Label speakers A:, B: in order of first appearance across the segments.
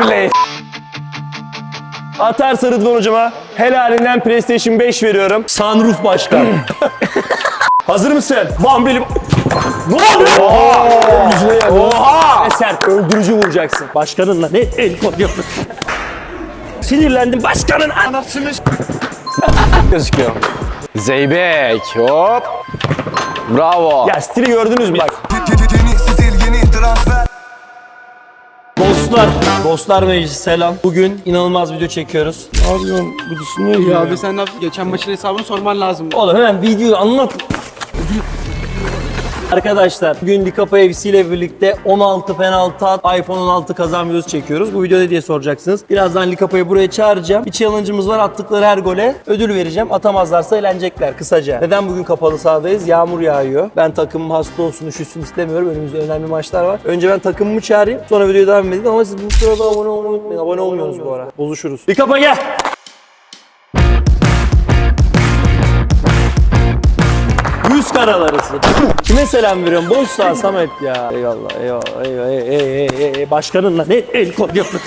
A: Beyblade.
B: Atarsa Rıdvan hocama helalinden PlayStation 5 veriyorum. Sunroof başkan. Hazır mısın? Bambilim. Ne oluyor? Oha! Ne sert, öldürücü vuracaksın. Başkanınla ne el kod yapın. Sinirlendim başkanın anasını.
A: Gözüküyor. Zeybek. Hop. Bravo.
B: Ya stili gördünüz mü bak. Dostlar meclisi selam. Bugün inanılmaz video çekiyoruz. Ne yapıyorsun? Bu düşünüyor
C: Ya abi sen ne yaptın? Geçen maçın hesabını sorman lazım.
B: Oğlum hemen videoyu anlat. Arkadaşlar bugün Likapa FC ile birlikte 16 penaltı at, iPhone 16 kazan videosu çekiyoruz. Bu video ne diye soracaksınız. Birazdan Likapa'yı buraya çağıracağım. Bir challenge'ımız var. Attıkları her gole ödül vereceğim. Atamazlarsa eğlenecekler kısaca. Neden bugün kapalı sahadayız? Yağmur yağıyor. Ben takımım hasta olsun, üşüsün istemiyorum. Önümüzde önemli maçlar var. Önce ben takımımı çağırayım. Sonra videoya devam edeyim. Ama siz bu sırada abone olmayı unutmayın. Abone olmuyorsunuz bu ara. Bozuşuruz. Likapa gel. Yüz karalarısı. Kime selam veriyorum? Boş sağ Samet ya. Eyvallah, eyvallah, başkanınla ne el kod yapın.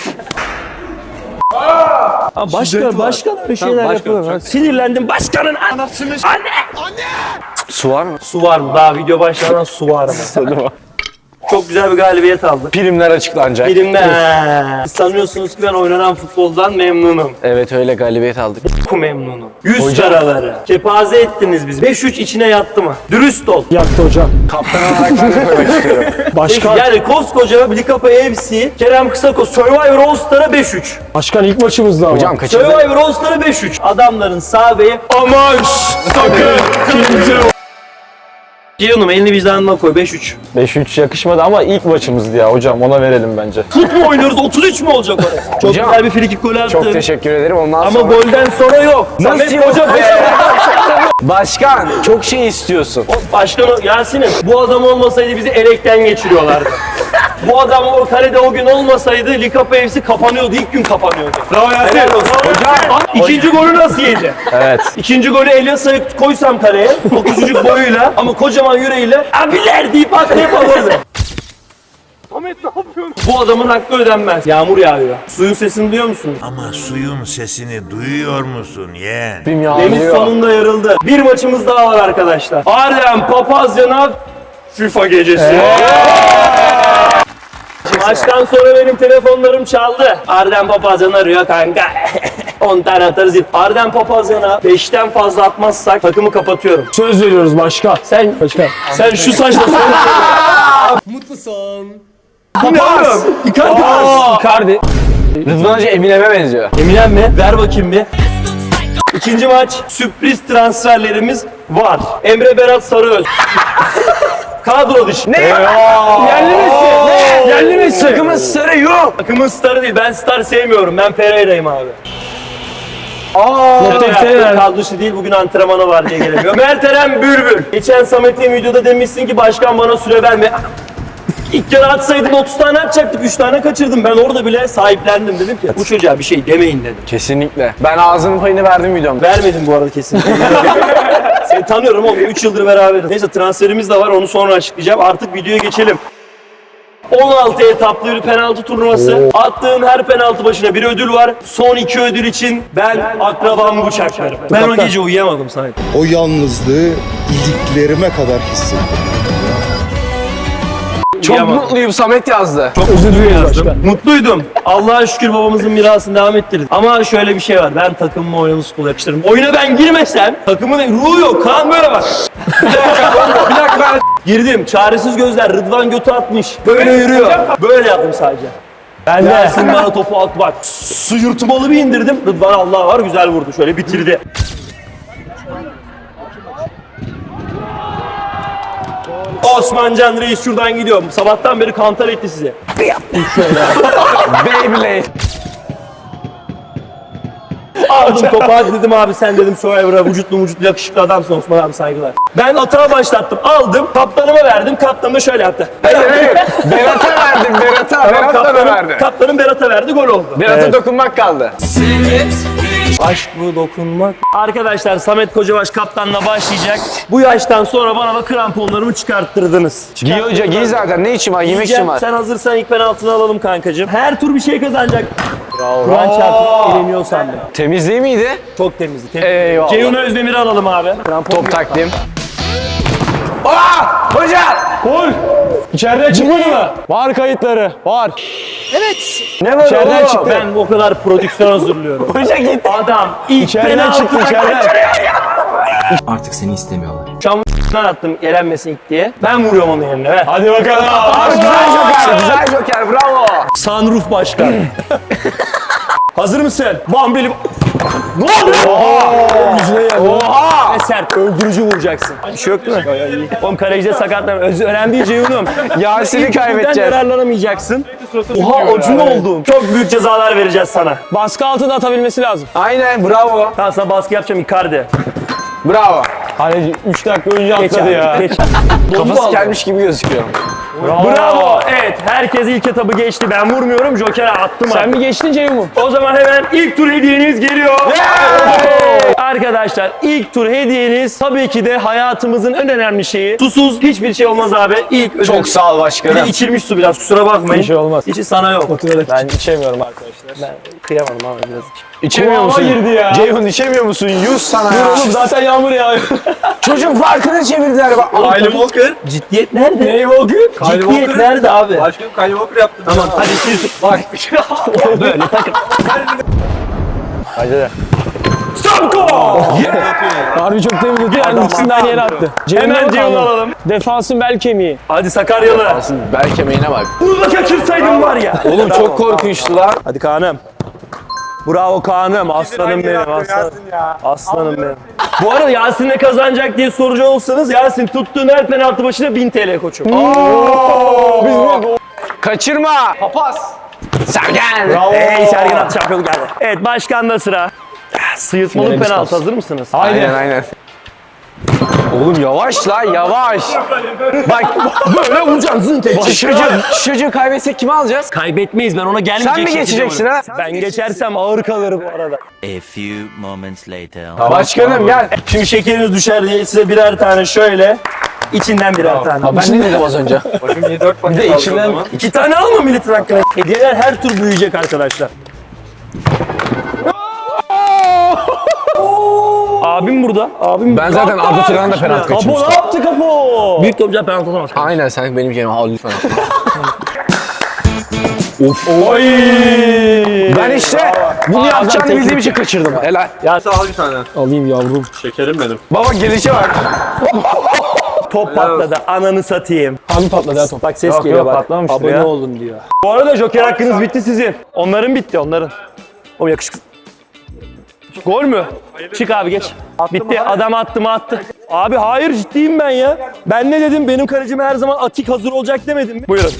B: Başkan öyle şeyler yapıyor. Sinirlendim başkanın anasını. Anne!
A: Su var mı?
B: Su var mı? Daha video başlamadan su var mı? Çok güzel bir galibiyet aldık.
A: Primler açıklanacak.
B: Birimler. Sanıyorsunuz ki ben oynanan futboldan memnunum.
A: Evet öyle galibiyet aldık.
B: Çok memnunum. Yüz karaları. Kepaze ettiniz bizi. 5-3 içine yattı mı? Dürüst ol.
C: Yaktı hocam.
A: Kaptan olarak ben de koymak istiyorum.
C: Başkan.
B: Yani koskoca Likapa FC, Kerem Kısako Survivor All Star'a 5-3.
C: Başkan ilk maçımızda ama.
A: Hocam kaçırdı.
B: Survivor All Star'a 5-3. Adamların sağ beyi aman sakın. Ceyhun'um elini vicdanına koy 5-3.
A: 5-3 yakışmadı ama ilk maçımızdı ya hocam, ona verelim bence.
B: Fut mu oynuyoruz? 33 mu olacak orası? Çok
A: Hocam,
B: güzel bir frikik golü attın.
A: Çok teşekkür ederim. Ondan
B: Ama
A: sonra...
B: golden sonra yok.
A: Nasıl
B: Samet
A: yok
B: Hoca
A: be? Başkan çok şey istiyorsun.
B: Başkan Yasin'im bu adam olmasaydı bizi elekten geçiriyorlardı. Bu adam o kalede o gün olmasaydı Likapa FC kapanıyordu. İlk gün kapanıyordu. Bravo Yasin. Hocam. İkinci golü nasıl yedi?
A: Evet.
B: İkinci golü Elias'a koysam kaleye, o küçücük boyuyla ama kocaman yüreğiyle abiler deyip atlayıp alırdı. Ahmet ne yapıyorsun? Bu adamın hakkı ödenmez. Yağmur yağıyor. Suyun sesini duyuyor musunuz?
D: Ama suyun sesini duyuyor musun yeğen?
A: Prim
B: Deniz
A: yağmıyor.
B: sonunda yarıldı. Bir maçımız daha var arkadaşlar. Ardem Papazyan'a FIFA gecesi. Maçtan sonra benim telefonlarım çaldı. Ardem Papazyan arıyor kanka. 10 tane atarız. Ardem Papazyan'a 5'ten fazla atmazsak takımı kapatıyorum.
C: Söz veriyoruz başkan.
B: Sen şu saçla Mutlu son. Bu ne oğlum?
A: Icardi. Rıdvan Hoca Eminem'e benziyor.
B: Eminem mi? Ver bakayım bir. İkinci maç sürpriz transferlerimiz var. Emre Berat Sarıöz. Kadro dışı. Ne?
A: Yerli Messi.
B: Yerli Messi.
A: Takımın starı yok.
B: Takımın starı değil. Ben star sevmiyorum. Ben Pereira'yım abi. Kadro dışı değil. Bugün antrenmanı var diye gelemiyor. Mert Eren Bülbül. Geçen Samet'in videoda demişsin ki başkan bana süre verme. İlk kere atsaydın 30 tane atacaktık, 3 tane kaçırdım. Ben orada bile sahiplendim, dedim ki bu çocuğa bir şey demeyin dedim.
A: Kesinlikle. Ben ağzının payını verdim videomda.
B: Vermedim bu arada kesinlikle. Seni tanıyorum oğlum, 3 yıldır beraberiz. Neyse transferimiz de var, onu sonra açıklayacağım. Artık videoya geçelim. 16 etaplı bir penaltı turnuvası. Attığın her penaltı başına bir ödül var. Son 2 ödül için ben akrabamı bıçaklarım. Ben o gece uyuyamadım Samet.
E: O yalnızlığı iliklerime kadar hissettim.
A: Çok mutluyum, Samet yazdı.
B: Çok özür dilerim. Mutluydum. Allah'a şükür babamızın mirasını devam ettirdik. Ama şöyle bir şey var. Ben takımıma oynamış futbol yakıştırırım. Oyuna ben girmesem takımın ruhu yok. Kaan böyle bak. Bir dakika. Girdim. Çaresiz gözler. Rıdvan götü atmış. Böyle yürüyor. Böyle yaptım sadece. Ben de. Ersin bana topu attı bak. Sıyırtmalı bir indirdim. Rıdvan Allah var güzel vurdu. Şöyle bitirdi. Osmancan Reis şuradan gidiyor. Sabahtan beri kantar etti size. Bir yaptım şöyle.
A: Beyblade.
B: Aldım topu, hadi dedim abi sen dedim Survivor'a vücutlu yakışıklı adamsın Osman abi, saygılar. Ben atağa başlattım, aldım, kaptanıma verdim, kaptanım da şöyle yaptı.
A: Hayır. Berat'a verdim, Berat'a. Berat da verdi.
B: Kaptanım Berat'a verdi, gol oldu.
A: Berat'a dokunmak kaldı.
B: Aşk bu dokunmak. Arkadaşlar Samet Kocabaş kaptanla başlayacak. Bu yaştan sonra bana da kramponlarımı çıkarttırdınız.
A: Giy hoca giy zaten. Ne için var? Yemek için
B: Diyeceğim,
A: var.
B: sen hazırsan ilk penaltını alalım kankacığım. Her tur bir şey kazanacak. Kur'an çarpıp eleniyor sandım.
A: Temiz değil miydi?
B: Çok temizdi.
A: Eyvallah.
B: Ceyhun Özdemir'i alalım abi. Krampon
A: Top takdim. Aa! Hoca!
C: Gol. İçeriden çıkmadı mı? Var kayıtları. Var.
B: Ne var
C: İçeriden
B: oğlum?
C: çıktı.
B: Ben o kadar prodüksiyon hazırlıyorum.
A: Hoca git.
B: Adam ilk
C: İçeriden
B: penaltı
C: çıktı içeriden.
F: Artık seni istemiyorlar.
B: Şam'dan attım elenmesin ilk diye. Ben vuruyorum onun yerine. Ver.
C: Hadi bakalım.
A: Güzel joker, güzel joker. Bravo.
B: Sunroof başkan. Hazır mısın? Bambili... Ne oluyor?
C: Yüzüne geldi.
B: Ve sert, öldürücü vuracaksın. Bir şey yok değil mi? Oğlum kalecide sakatlanma. Önemli değil Ceyhun'um.
A: Yasin'i
B: İlk turdan
A: kaybedeceğiz.
B: yararlanamayacaksın. Oha acun oldum. Çok büyük cezalar vereceğiz sana.
C: Baskı altında atabilmesi lazım.
A: Aynen bravo.
B: Tamam sana baskı yapacağım Icardi.
A: Bravo.
C: Hani 3 dakika önce
B: Geç
C: atladı
B: abi,
C: ya.
B: geç.
A: Kafası gelmiş gibi gözüküyor.
B: Bravo. Evet herkes ilk etabı geçti. Ben vurmuyorum. Joker'e attım.
C: Sen mi geçtin Ceyhun mu?
B: O zaman hemen ilk tur hediyeniz geliyor. Arkadaşlar ilk tur hediyeniz tabii ki de hayatımızın en önemli şeyi. Susuz hiçbir şey olmaz abi. İlk ödül.
A: Çok sağ ol
B: Bir de
A: başkanım.
B: içilmiş su biraz kusura bakmayın.
C: Bir şey olmaz.
B: Hiçi sana yok.
C: Ben içemiyorum arkadaşlar.
B: Ben kıyamadım ama biraz.
A: İçemiyor
C: Kulağıma
A: musun?
C: girdi ya.
A: Ceyhun içemiyor musun? Yüz sana
C: Dur
A: ya.
C: oğlum zaten yağmur yağıyor.
A: Çocuk farkını çevirdiler bak.
C: Kylie Walker.
B: Ciddiyet nerede?
C: Ney Walker?
B: Ciddiyet nerede abi?
C: Başkanım Kylie Walker yaptı.
B: Tamam hadi siz bak. Böyle takın.
A: Hadi de.
B: Stop goal!
C: Harbi çok temizledi. Yani ikisini de aynı yere attı.
B: Hemen Ceyhun'u alalım.
C: Defansın bel kemiği.
B: Hadi Sakaryalı.
A: Bel kemiğine bak.
B: Bunu da kaçırsaydım var ya.
A: Oğlum çok korkunçtu lan.
B: Hadi Kaan'ım. Bravo Kaan'ım. Aslanım benim. Aslanım benim. Bu arada Yasin ne kazanacak diye soracak olsanız Yasin tuttuğun her penaltı başına 1000 TL koçum.
A: Kaçırma. Papaz. Sergen.
B: Hey Sergen at şampiyonu geldi. Evet başkanda sıra. Sıyırtmalı
C: Finalist
B: penaltı
C: olsun.
B: hazır mısınız?
A: Aynen aynen. Oğlum yavaş lan yavaş. Bak böyle vuracaksın. Çocuğu kaybetsek kimi alacağız?
B: Kaybetmeyiz ben ona gelmeyecek.
A: Sen mi
B: şekilde
A: geçeceksin
B: vururum.
A: ha?
B: Ben geçersem ağır kalır bu arada.
F: A few moments later.
A: Başkanım gel.
B: Şimdi şekeriniz düşer diye size birer tane şöyle. İçinden birer tane.
A: Ben ne dedim az önce? Bir de içinden
B: 2 tane alma milletin hakkına. Hediyeler her tur büyüyecek arkadaşlar. Abim burada. Abim
A: Ben zaten Arda Turan'ın da penaltı
B: Kapo
A: kaçırmıştım.
B: ne yaptı Kapo? Büyük topçular penaltı atamaz.
A: Aynen sen benim yerime al lütfen.
B: Oy!
A: Ben işte bunu yapacağını bildiğim için kaçırdım. Helal.
C: Al bir tane. Alayım yavrum. Şekerim benim.
A: Baba gelişe bak.
B: Top patladı. Ananı satayım.
C: Abi patladı ya top.
B: Bak ses
A: Yok,
B: geliyor
A: yok,
B: bak.
A: patlamamıştır
B: Abone
A: ya.
B: olun diyor. Bu arada Joker hakkınız bitti sizin. Onların bitti onların. O yakışıklı. Gol mü? Çık abi geç. Bitti. Adam attı mı attı. Abi hayır ciddiyim ben ya. Ben ne dedim? Benim kalecim her zaman atik hazır olacak demedim mi? Buyurun.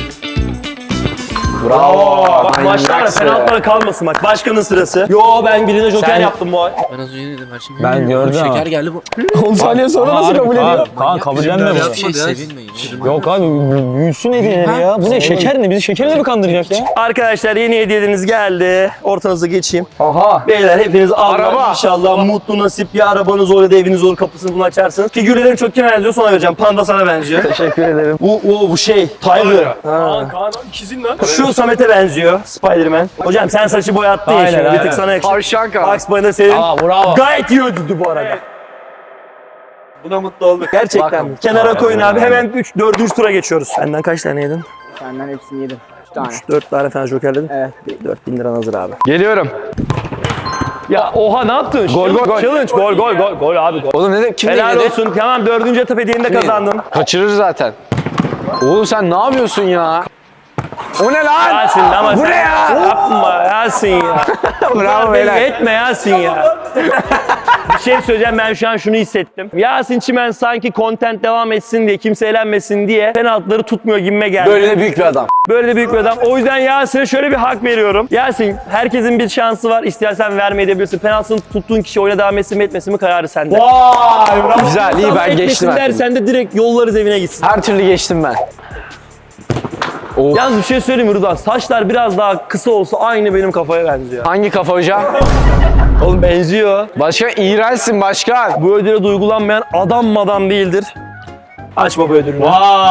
A: Bravo.
B: Bak maçlarda penaltılara kalmasın bak. Başkanın sırası. Yo ben birine Joker
A: Sen-
B: yaptım bu ay.
F: Ben az önce ne dedim her şey.
A: Ben gördüm ama.
F: Şeker geldi bu.
C: 10 saniye sonra nasıl kabul ediyor?
A: Kaan kabullenme
F: Bir şey sevinmeyin.
C: Yok abi büyüsün hediyeleri ya. Bu ne şeker ne? Bizi şekerle mi kandıracak ya?
B: Arkadaşlar yeni hediyeleriniz geldi. Ortanıza geçeyim.
A: Oha.
B: Beyler hepiniz
A: Araba.
B: Allah inşallah mutlu nasip bir arabanız olur da eviniz olur kapısını bunu açarsınız. Figürlerim çok kime benziyor sonra vereceğim. Panda sana benziyor.
A: Teşekkür ederim.
B: Bu şey Tiger. Ha.
C: Kaan ikizin lan.
B: Şu Samet'e benziyor. Spider-Man. Hocam sen saçı boyattın ya
C: Aynen,
B: şimdi. Bir
C: aynen.
B: tık sana yakışır.
A: Tavşan Kaan.
B: Bugs Bunny senin.
C: Aa bravo.
B: Gayet iyi ödüldü bu arada.
C: Buna mutlu olduk.
B: Gerçekten.
A: Bak.
B: Kenara koyun abi. Hemen 4. tura geçiyoruz. Senden kaç tane yedin?
G: Senden hepsini yedim. 3 tane.
B: 4 tane falan jokerledin.
G: Evet.
B: 4000 liran hazır abi.
A: Geliyorum.
B: Ya oha ne yaptın?
A: Gol, gol, gol.
B: Challenge gol abi gol.
A: Oğlum ne dedim? Kim
B: Helal
A: yedi?
B: olsun. Tamam 4. etap hediyeni de kazandın.
A: Kaçırır zaten. Oğlum sen ne yapıyorsun ya? O ne lan?
B: Yasin ama
A: Bu
B: sen
A: ne ya?
B: yapma Yasin ya.
A: Bravo
B: Belli
A: beyler.
B: etme Yasin ya. Bir şey söyleyeceğim ben şu an şunu hissettim. Yasin Çimen sanki content devam etsin diye kimse eğlenmesin diye penaltıları tutmuyor gibime geldi.
A: Böyle de büyük bir adam.
B: Böyle de büyük bir adam. O yüzden Yasin'e şöyle bir hak veriyorum. Yasin herkesin bir şansı var. İstersen vermeyebilirsin. Penaltısını tuttuğun kişi oyuna devam etsin mi etmesin mi kararı sende.
C: Vay bravo.
A: Güzel iyi ben geçtim.
B: dersen de direkt yollarız evine gitsin.
A: Her türlü geçtim ben.
B: Yalnız bir şey söyleyeyim mi Rıdvan? Saçlar biraz daha kısa olsa aynı benim kafaya benziyor.
A: Hangi kafa hocam?
B: Oğlum benziyor.
A: Başkan iğrençsin başkan.
B: Bu ödüle duygulanmayan adam madam değildir. Aç baba ödülünü.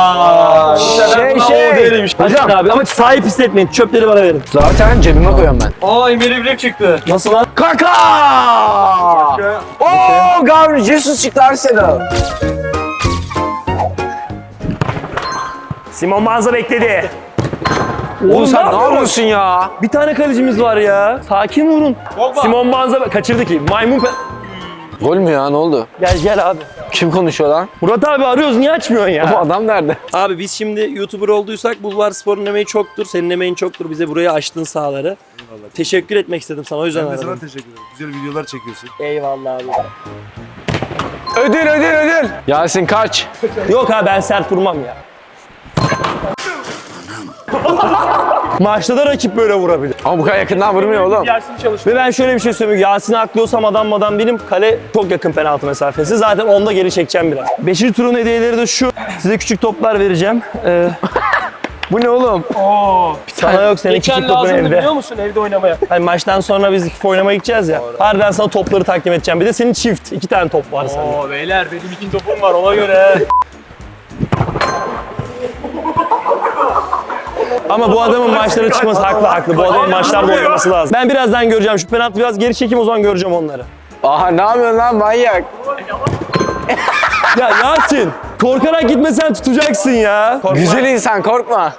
A: Şey.
B: Hocam abi ama sahip hissetmeyin. Çöpleri bana verin.
A: Zaten cebime koyuyorum ben.
B: Aa Emre Bilek çıktı. Nasıl lan?
A: Kaka! Oo, Gabriel Jesus çıktı Arsenal.
B: Simon Banza bekledi.
A: Oğlum sen ne
B: yapıyorsun?
A: yapıyorsun ya?
B: Bir tane kalecimiz var ya. Sakin vurun. Simon Banza kaçırdı ki. Maymun
A: Gol mü ya, ne oldu?
B: Gel abi.
A: Kim konuşuyor lan?
B: Murat abi arıyoruz niye açmıyorsun ya?
A: Bu adam nerede?
B: Abi biz şimdi YouTuber olduysak Bulvar Spor'un emeği çoktur. Senin emeğin çoktur. Bize buraya açtın sahaları. Teşekkür etmek istedim sana o yüzden
E: Ben de sana
B: aradım.
E: teşekkür ederim. Güzel videolar çekiyorsun.
B: Eyvallah abi.
A: Ödül. Yasin kaç.
B: Yok abi ben sert vurmam ya. Maçta da rakip böyle vurabilir.
A: Ama bu kadar yakından vurmuyor oğlum.
B: Ve ben şöyle bir şey söyleyeyim. Yasin'i aklıyorsam adam benim. Kale çok yakın penaltı mesafesi. Zaten onda geri çekeceğim biraz. 5. turun hediyeleri de şu. Size küçük toplar vereceğim.
A: Bu ne oğlum?
B: Sana yok senin küçük topun evde. Biliyor musun evde oynamaya? Hani maçtan sonra biz FIFA oynamaya gideceğiz ya. Harbiden sana topları takdim edeceğim. Bir de senin çift. 2 tane top var sende.
H: Oo beyler benim 2 topum var ona göre.
B: Ama bu adamın maçlara çıkması haklı. Bu adamın maçlarda oynaması lazım. Ben birazdan göreceğim. Şu penaltı biraz geri çekeyim o zaman göreceğim onları.
A: Aha ne yapıyorsun lan manyak?
B: Ya Yasin, korkarak gitmesen tutacaksın ya. Korkma.
A: Güzel insan korkma.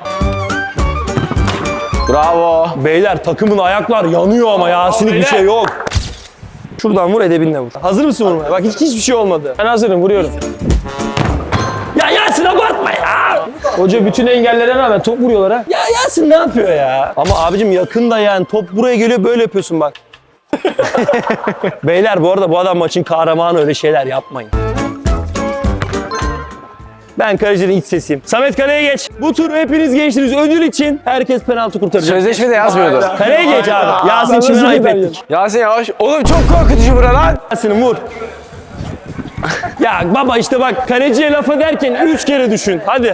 A: Bravo.
B: Beyler takımın ayaklar yanıyor ama Yasin'lik bir şey yok. Şuradan vur edebinle vur. Hazır mısın vurmaya? Bak hiçbir şey olmadı. Ben hazırım vuruyorum. Ya Yasin abartma ya. Hoca bütün engellere rağmen top vuruyorlar ha. Ya Yasin ne yapıyor ya? Ama abicim yakında yani top buraya geliyor böyle yapıyorsun bak. Beyler bu arada bu adam maçın kahramanı öyle şeyler yapmayın. Ben kalecinin iç sesiyim. Samet kaleye geç. Bu turu hepiniz geçtiniz. Ödül için herkes penaltı kurtaracak.
A: Sözleşmede yazmıyordu.
B: Kaleye geç abi. Yasin şimdi ayıp ettik.
A: Yasin yavaş. Oğlum çok korkutucu bura lan.
B: Yasin'im vur. Ya baba işte bak kaleciye laf ederken 3 kere düşün. Hadi.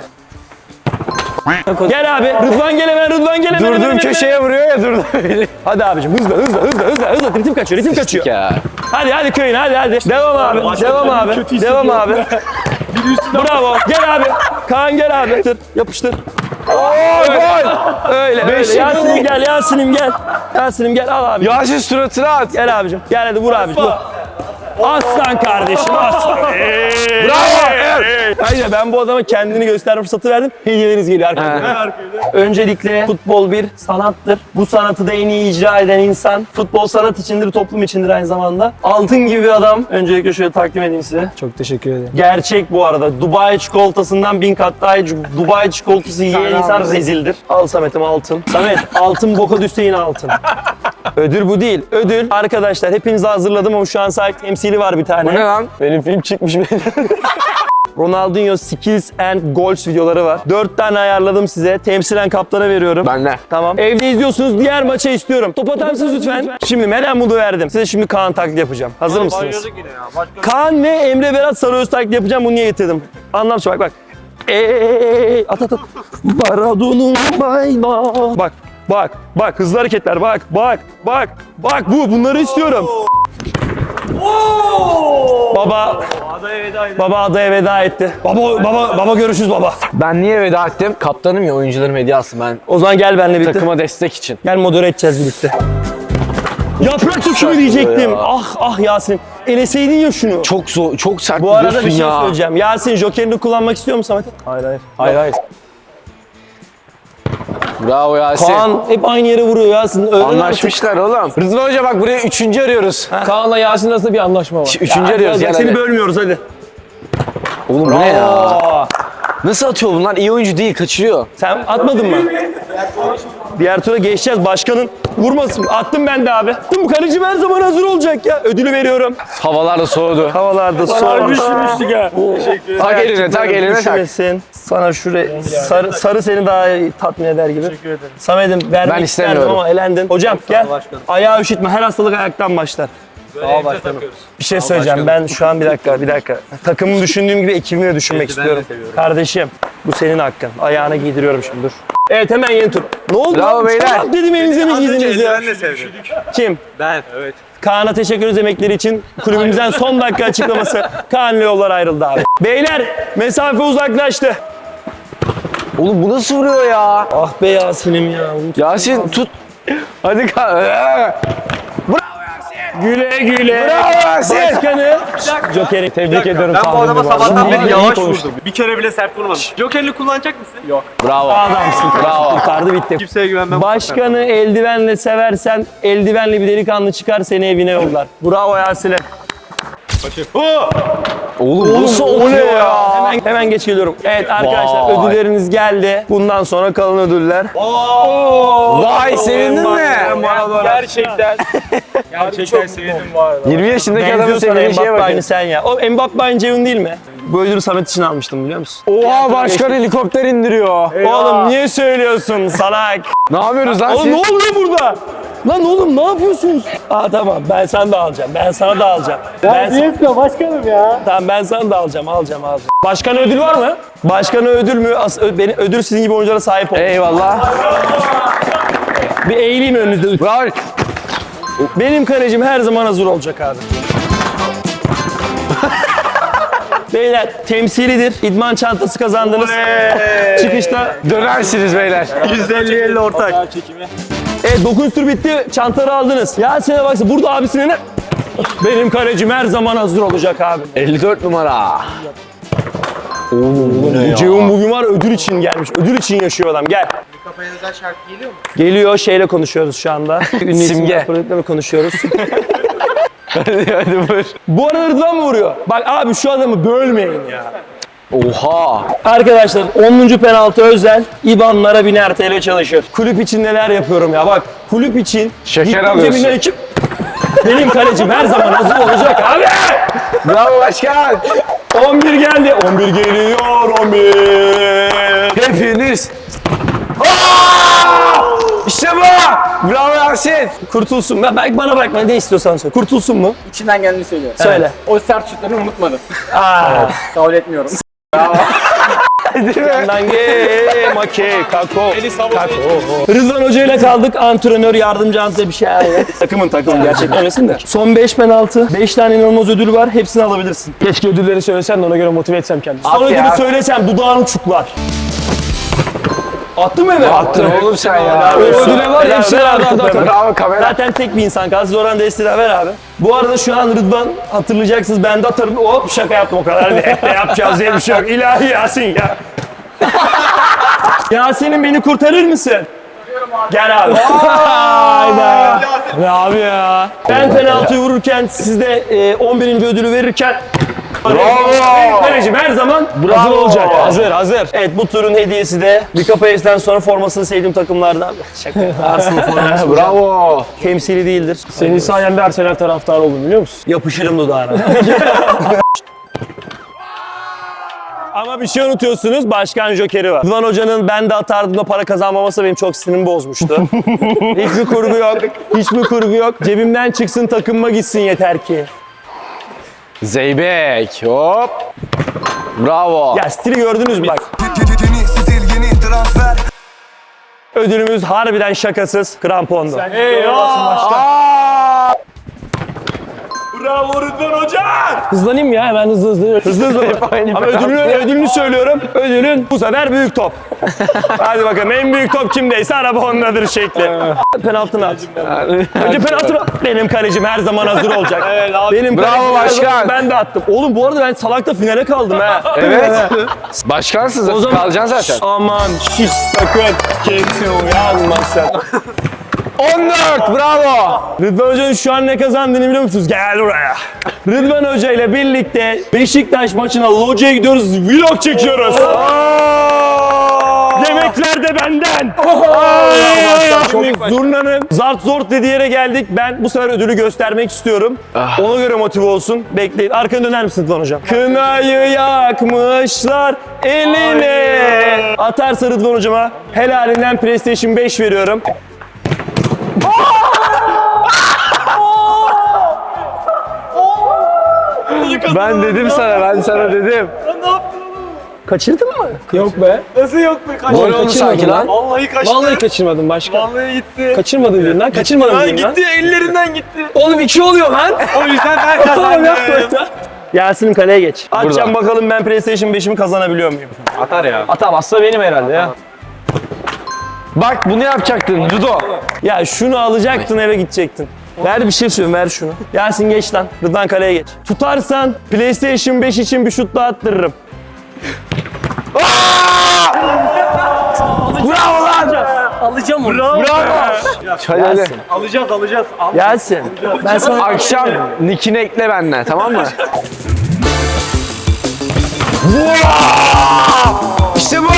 B: Gel abi. Rıdvan gel hemen.
A: Durduğum köşeye vuruyor ya durdu.
B: Hadi abicim hızlı. Ritim kaçıyor.
A: Ya.
B: Hadi köyün hadi. Devam abi. Bravo. Gel abi. Kaan gel abi. Yapıştır.
A: Gol.
B: Öyle. Yasin'im gel al abi.
A: Yasin suratına at.
B: Gel abicim. Gel hadi vur abicim. Vur. Aslan kardeşim aslan.
A: Bravo.
B: Hayır ben bu adama kendini gösterme fırsatı verdim. Hediyeleriniz geliyor arkadaşlar. Öncelikle futbol bir sanattır. Bu sanatı da en iyi icra eden insan. Futbol sanat içindir, toplum içindir aynı zamanda. Altın gibi bir adam. Öncelikle şöyle takdim edeyim size.
C: Çok teşekkür ederim.
B: Gerçek bu arada. Dubai çikolatasından 1000 kat daha iyi. Dubai çikolatası yiyen insan rezildir. Al Samet'im altın. Samet altın boka düşse yine altın. Ödül bu değil. Ödül arkadaşlar hepinize hazırladım ama şu an sahip temsili var bir tane.
A: Bu ne lan?
B: Benim film çıkmış benim. Ronaldinho Skills and Goals videoları var. 4 tane ayarladım size. Temsilen kaptana veriyorum.
A: Ben de.
B: Tamam. Evde izliyorsunuz. Diğer maça istiyorum. Top atar mısınız lütfen? Şimdi Meryem Mudu verdim. Size şimdi Kaan taklidi yapacağım. Hazır mısınız? Kaan ve Emre Berat Sarıöz taklidi yapacağım. Bunu niye getirdim? Anlamsın bak. At. Maradona bayla. Bak hızlı hareketler bak bunları istiyorum. Baba adaya veda etti. Baba görüşürüz baba.
A: Ben niye veda ettim? Kaptanım ya, oyuncularım hediye alsın, ben
B: O zaman gel benimle birlikte.
A: takıma destek için.
B: Gel modere edeceğiz birlikte. Yaprak dökümü diyecektim.
A: ya.
B: Ah Yasin. Eleseydin ya şunu.
A: Çok zor, çok sert
B: Bu arada
A: diyorsun
B: bir şey
A: ya.
B: söyleyeceğim. Yasin jokerini kullanmak istiyor musun Samet? Hayır.
A: Bravo Yasin.
B: Kaan hep aynı yere vuruyor Yasin. Öğren
A: Anlaşmışlar oğlum. Rıdvan Hoca bak buraya 3. arıyoruz.
C: Kaan'la Yasin arasında bir anlaşma var.
A: 3. arıyoruz
B: Gel,
A: gel
B: seni
A: hadi.
B: bölmüyoruz hadi.
A: Oğlum bu ne ya?
B: Aa,
A: Nasıl atıyor bunlar? İyi oyuncu değil, kaçırıyor.
B: sen atmadın mı? Diğer tura geçeceğiz. Başkanın vurmasın. Attım ben de abi. Bu kaleci her zaman hazır olacak ya. Ödülü veriyorum.
A: Havalar da soğudu.
B: Havalarda soğumuş.
A: Tak eline, tak eline tak.
B: Üşümesin. Sana şuraya sarı seni daha tatmin eder gibi. Teşekkür ederim. Samet'im vermek
A: Ben
B: isterdim
A: istemiyorum.
B: ama elendin. Hocam gel. Ayağı üşütme. Her hastalık ayaktan başlar. Sağ başkanım. Bir şey söyleyeceğim. Ben şu an bir dakika. Takımımı düşündüğüm gibi ekibimi de düşünmek istiyorum. Kardeşim bu senin hakkın. Ayağına giydiriyorum şimdi dur. Evet hemen yeni tur. Ne oldu?
A: Bravo beyler.
B: Çorap dedim elinize mi giydiniz ya?
H: Ben de sevdim.
B: Kim?
H: Ben. Evet.
B: Kaan'a teşekkür ederiz emekleri için. Kulübümüzden son dakika açıklaması. Kaan'la yollar ayrıldı abi. Beyler mesafe uzaklaştı.
A: Oğlum bu nasıl vuruyor ya?
B: Ah be Yasin'im ya.
A: Yasin tut. Hadi
B: Güle güle.
A: Bravo Yasin.
B: Başkanı. Joker'i tebrik ediyorum.
H: Ben bu adama sabahtan beri yavaş
B: konuştum.
H: vurdum. Bir kere bile sert vurmadım. Joker'li kullanacak mısın? Yok.
A: Bravo.
B: Adamsın.
A: Bravo.
B: Kurtardı bitti.
H: Kimseye güvenmem.
B: Başkanı eldivenle seversen eldivenli bir delikanlı çıkar seni evine yollar. Bravo Yasin'e.
A: Oğlum nasıl oluyor ya?
B: Hemen geç geliyorum. Evet arkadaşlar
A: Vay.
B: ödülleriniz geldi. Bundan sonra kalan ödüller.
A: Vay sevindin mi?
H: Gerçekten. Gerçekten sevindim bu arada.
A: 20 yaşındaki adamın
B: Benziyor sana
A: sevdiği şeye
B: Mbappe aynı
A: bakın.
B: sen ya. O Mbappe aynı Ceyhun değil mi? Bu ödülü Samet için almıştım biliyor musun?
A: Oha başkan helikopter indiriyor.
B: Oğlum niye söylüyorsun salak?
A: Ne yapıyoruz lan
B: Oğlum ne
A: siz?
B: oluyor burada? Lan oğlum ne yapıyorsunuz? Aa tamam ben sana da alacağım. Ben sana da alacağım.
H: başkanım ya.
B: Tamam ben sana da alacağım. Başkana ödül var mı? Başkana ödül mü? Benim ödül sizin gibi oyunculara sahip ol.
A: Eyvallah.
B: Bir eğileyim önünüzde.
A: Bravo.
B: Benim kalecim her zaman hazır olacak abi. Beyler temsilidir. İdman çantası kazandınız. Çıkışta.
A: Dönersiniz beyler.
B: 150-50 ortak. Evet 9 tur bitti. Çantaları aldınız. Yasin'e baksana burada abisine ne? Benim kalecim her zaman hazır olacak abi.
A: 54 numara.
B: Bu Ceyhun bugün var ödül için gelmiş. Ödül için yaşıyor adam. Gel.
G: Kafaya özel şarkı geliyor mu?
B: Geliyor şeyle konuşuyoruz şu anda. Ünlü
A: Simge.
B: isimler projektlerle konuşuyoruz.
A: Hadi vur.
B: Bu arada Rıdvan mı vuruyor? Bak abi şu adamı bölmeyin ya.
A: Oha.
B: Arkadaşlar 10. penaltı özel İBAN'lara 1000'er TL çalışır. Kulüp için neler yapıyorum ya bak. Kulüp için
A: Şeker
B: gittim
A: alıyorsun.
B: cebimden ekip benim kalecim her zaman hazır olacak abi.
A: Bravo başkan.
B: 11 geldi. 11 geliyor 11.
A: Hepiniz. İşte bu. Bravo Yasin.
B: Kurtulsun. Bana bırakma ne istiyorsan söyle. Kurtulsun mu?
G: İçinden geldiğini söylüyor.
B: Söyle.
G: O sert şutlarını unutmadım.
B: Aa.
G: Kabul etmiyorum.
B: Kako. Rıdvan Hoca ile kaldık. Antrenör, yardımcı antrenör bir şey. Takımın gerçekten öylesin de. Son 5 penaltı. 5 tane inanılmaz ödül var. Hepsini alabilirsin. Keşke ödülleri söylesen de ona göre motive etsem kendimi. Son
A: At
B: ödülü
A: ya.
B: söylesem dudağın uçuklar. Attın mı eve?
A: Attın oğlum sen ya.
B: Ödüle var ya hepsini aldım.
A: Bravo kamera.
B: Zaten tek bir insan kaldı. Siz oradan desteği ver abi. Bu arada şu an Rıdvan hatırlayacaksınız. Ben de atarım. Hop şaka yaptım o kadar. Ne yapacağız diye bir şey yok. İlahi Yasin ya. Yasin'im beni kurtarır mısın? Gel abi. Hayda. Ne abi ya? Ben penaltıyı vururken siz de 11. ödülü verirken
A: Bravo.
B: Kalecim her zaman hazır olacak. Hazır. Evet bu turun hediyesi de Likapa F'den sonra formasını sevdiğim takımlardan. Şaka. Arsenal forması.
A: Bravo.
B: Temsili değildir.
C: Senin sayende Arsenal taraftarı oldum biliyor musun?
B: Yapışırım dudağına. Ama bir şey unutuyorsunuz, Başkan Joker'i var. Rıdvan Hoca'nın ben de atardığımda para kazanmaması benim çok sinirimi bozmuştu. Hiçbir kurgu yok. Cebimden çıksın takımıma gitsin yeter ki.
A: Zeybek. Hop. Bravo.
B: Ya stili gördünüz mü bak. Ödülümüz harbiden şakasız krampondu. Bravo Rıdvan Hoca!
C: Hızlanayım ya hemen hızlı.
B: Hızlı. Ama ödülünü söylüyorum. Ödülün bu sefer büyük top. Hadi bakalım en büyük top kimdeyse araba ondadır şekli. Penaltını at. Önce penaltını at. Benim kalecim her zaman hazır olacak. Benim
A: Bravo
B: kalecim her
A: başkan.
B: zaman ben de attım. Oğlum bu arada ben salakta finale kaldım ha.
A: Evet. Başkansın
B: O
A: zaten.
B: zaman-
A: Kalacaksın zaten.
B: Aman hiç sakın kimse uyanmasın.
A: 14. Bravo.
B: Rıdvan Hoca'nın şu an ne kazandığını biliyor musunuz? Gel buraya. Rıdvan Hoca ile birlikte Beşiktaş maçına locaya gidiyoruz, vlog çekiyoruz. Yemekler de benden. Zurnanın zart zort dediği yere geldik. Ben bu sefer ödülü göstermek istiyorum. Ona göre motive olsun. Bekleyin. Arkana döner misin Rıdvan Hocam? Kınayı yakmışlar eline. Atarsa Rıdvan Hocama helalinden PlayStation 5 veriyorum.
A: Ben dedim sana, ben sana dedim.
B: Kaçırdın mı?
C: Yok be.
H: Nasıl yok be?
A: Gol oldu sanki lan.
H: Vallahi kaçtı.
C: Vallahi kaçırmadım başka.
H: Vallahi gitti.
C: Kaçırmadın birinden. Kaçırmadın
H: Lan
C: birinden.
H: gitti, ellerinden gitti.
C: Oğlum 2 oluyor lan.
H: O yüzden ben kazandım.
B: Yasin'in kaleye geç. Açacağım bakalım ben PlayStation 5'imi kazanabiliyor muyum?
H: Atar ya.
C: Atamazsa benim herhalde ya.
A: Bak bunu yapacaktın judo.
B: Ya şunu alacaktın eve gidecektin. Ver bir şey söyleyeyim, ver şunu. Yasin geç lan. Rıdvan kaleye geç. Tutarsan PlayStation 5 için bir şut daha attırırım.
A: Bravo lan.
B: Alacağım onu.
A: Hadi.
H: Alacağız.
B: Yasin. Ben sana
A: Akşam nickini ekle benden, tamam mı? İşte bu.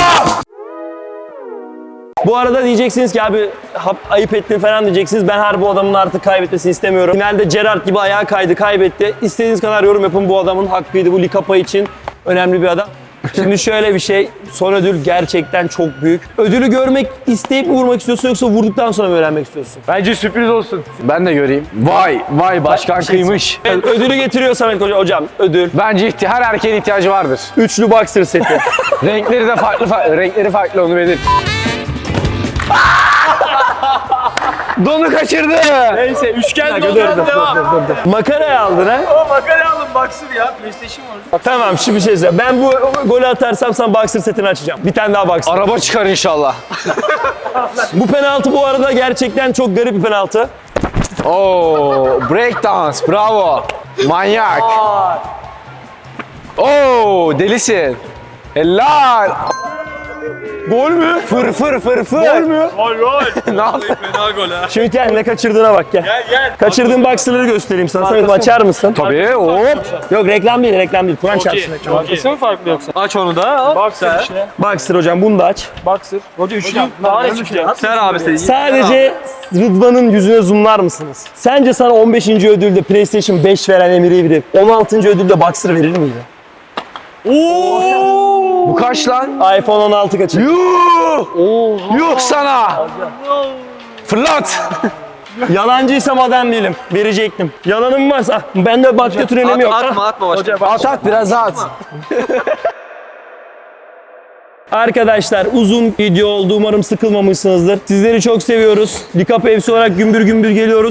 B: Bu arada diyeceksiniz ki abi ayıp ettin falan diyeceksiniz. Ben her bu adamın artık kaybetmesini istemiyorum. Finalde Gerrard gibi ayağa kaydı, kaybetti. İstediğiniz kadar yorum yapın, bu adamın hakkıydı. Bu Likapa için önemli bir adam. Şimdi şöyle bir şey, son ödül gerçekten çok büyük. Ödülü görmek isteyip mi vurmak istiyorsun yoksa vurduktan sonra mı öğrenmek istiyorsun?
H: Bence sürpriz olsun.
A: Ben de göreyim. Vay başkan kıymış.
B: Evet, ödülü getiriyor Samet Hoca. Hocam ödül.
A: Bence her erkeğin ihtiyacı vardır.
B: Üçlü boxer seti.
A: Renkleri de farklı, renkleri farklı, onu belirt. Donu kaçırdı.
H: Neyse üçgen dolan devam.
B: Makaraya aldın ha?
H: O makale alın baksın ya. PlayStation var.
B: Tamam şimdi bir şey söyleyeyim. Ben bu golü atarsam sana boxer setini açacağım. Bir tane daha boxer.
A: Araba çıkar inşallah.
B: Bu penaltı bu arada gerçekten çok garip bir penaltı.
A: Oo, break dance, bravo. Manyak. Oo, delisin. Helal.
B: Gol mü?
A: Fır.
B: Gol mü?
H: Gol.
A: Ne yaptın?
H: Fena gol ha.
B: Şimdi gel ne kaçırdığına bak gel.
H: Gel.
B: Kaçırdığın boxer'ları göstereyim sana. Samet açar mısın?
A: Tabii, hop.
B: Yok reklam değil. Kur'an çarpsın reklam.
H: Markası mı farklı yoksa? Aç onu da. Boxer işte.
B: Boxer hocam bunu da aç.
H: Boxer. Hoca üçlü. Daha ne çıkacak? Ser abi sen.
B: Sadece Rıdvan'ın yüzüne zoomlar mısınız? Sence sana 15. ödülde PlayStation 5 veren Emir'i verip 16. ödülde boxer verir miydi?
A: Bu kaç lan?
B: iPhone 16 kaçır.
A: Yuh sana. Fırlat.
B: Yalancıysam adam değilim. Verecektim. Yalanım varsa bende başka tür önemi yok.
H: Atma başka.
A: At biraz daha at.
B: Arkadaşlar uzun video oldu. Umarım sıkılmamışsınızdır. Sizleri çok seviyoruz. Likapa FC olarak gümbür gümbür geliyoruz.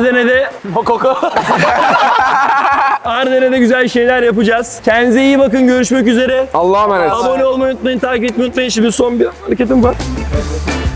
B: Ardene'de güzel şeyler yapacağız. Kendinize iyi bakın. Görüşmek üzere.
A: Allah'a emanet.
B: Abone olmayı unutmayın. Takip etmeyi unutmayın. Şimdi son bir hareketim var.